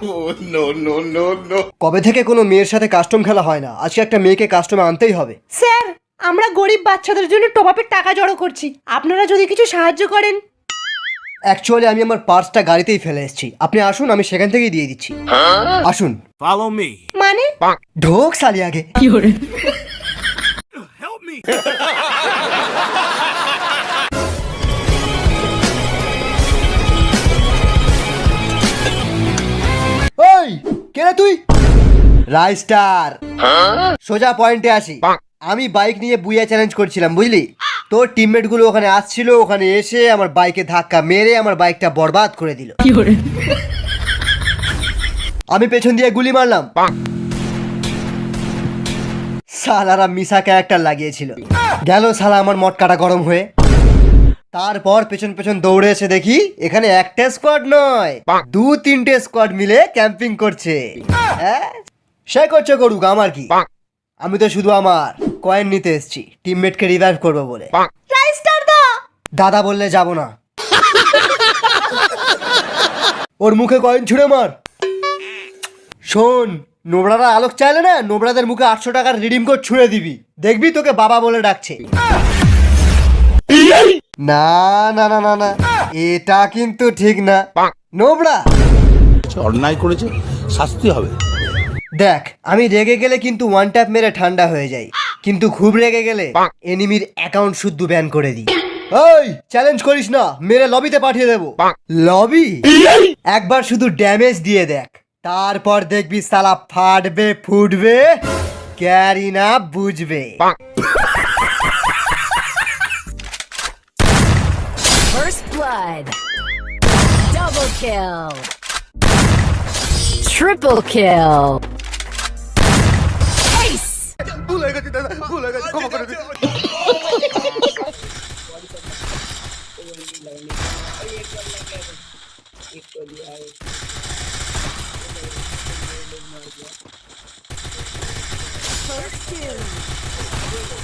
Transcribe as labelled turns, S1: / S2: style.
S1: কবে থেকে কোনো মেয়ের সাথে কাস্টম খেলা হয় না, আজকে একটা মেয়েকে কাস্টমে আনতেই হবে।
S2: স্যার, আমরা গরিব বাচ্চাদের জন্য টপ-আপের টাকা জড়ো করছি, আপনারা যদি কিছু সাহায্য করেন।
S1: অ্যাকচুয়ালি আমি আমার পার্সটা গাড়িতেই ফেলে এসেছি, আপনি আসুন, আমি সেখান থেকেই দিয়ে দিচ্ছি। আসুন।
S3: Follow me.
S2: মানে
S1: ঢোক সালি আগে।
S3: Help me.
S1: ওই কে রে তুই? রাইস্টার। সোজা পয়েন্টে আসি। আমি বাইক নিয়ে বুইয়া চ্যালেঞ্জ করছিলাম, বুঝলি? তোর টিমমেট গুলো ওখানে আসছিল, ওখানে এসে আমার বাইকে ধাক্কা মেরে আমার বাইকটা বরবাদ করে দিল। আমি পেছন দিয়ে গুলি মারলাম, সালারা মিশা ক্যারেক্টার লাগিয়েছিল। গেল শালা আমার মটকাটা গরম হয়ে। তারপর পেছন পেছন দৌড়ে এসে দেখি এখানে একটা স্কোয়াড নয়, 2-3টে স্কোয়াড মিলে ক্যাম্পিং করছে। হ্যাঁ, সে করছে করুক, আমার কি? আমি তো শুধু আমার কয়েন নিতে এসেছি, টিমমেটকে রিভাইভ করবো বলে।
S2: রাইস্টার দা,
S1: দাদা বললে যাব না। ওর মুখে কয়েন ছুঁড়ে মার। শোন, নোবড়ারা আলোক চাইলে না, নোবড়াদের মুখে 800 টাকার রিডিম কোড ছুঁড়ে দিবি, দেখবি তোকে বাবা বলে ডাকছে। না না না না না, এটা কিন্তু ঠিক না। নোবড়া
S4: অন্যায় করেছে, শাস্তি হবে।
S1: দেখ, আমি রেগে গেলে কিন্তু ওয়ান ট্যাপ মেরে ঠান্ডা হয়ে যাই, কিন্তু খুব রেগে গেলে এনিমির অ্যাকাউন্ট শুদ্ধ ব্যান করে দিই। ওই চ্যালেঞ্জ করিস না, মেরে লবিতে পাঠিয়ে দেবো। লবি? একবার শুধু ড্যামেজ দিয়ে দেখ, তারপর দেখবি সালা ফাটবে ফুটবে, ক্যারি না বুঝবে।
S5: First blood. Double kill. Triple kill. Ace. First kill.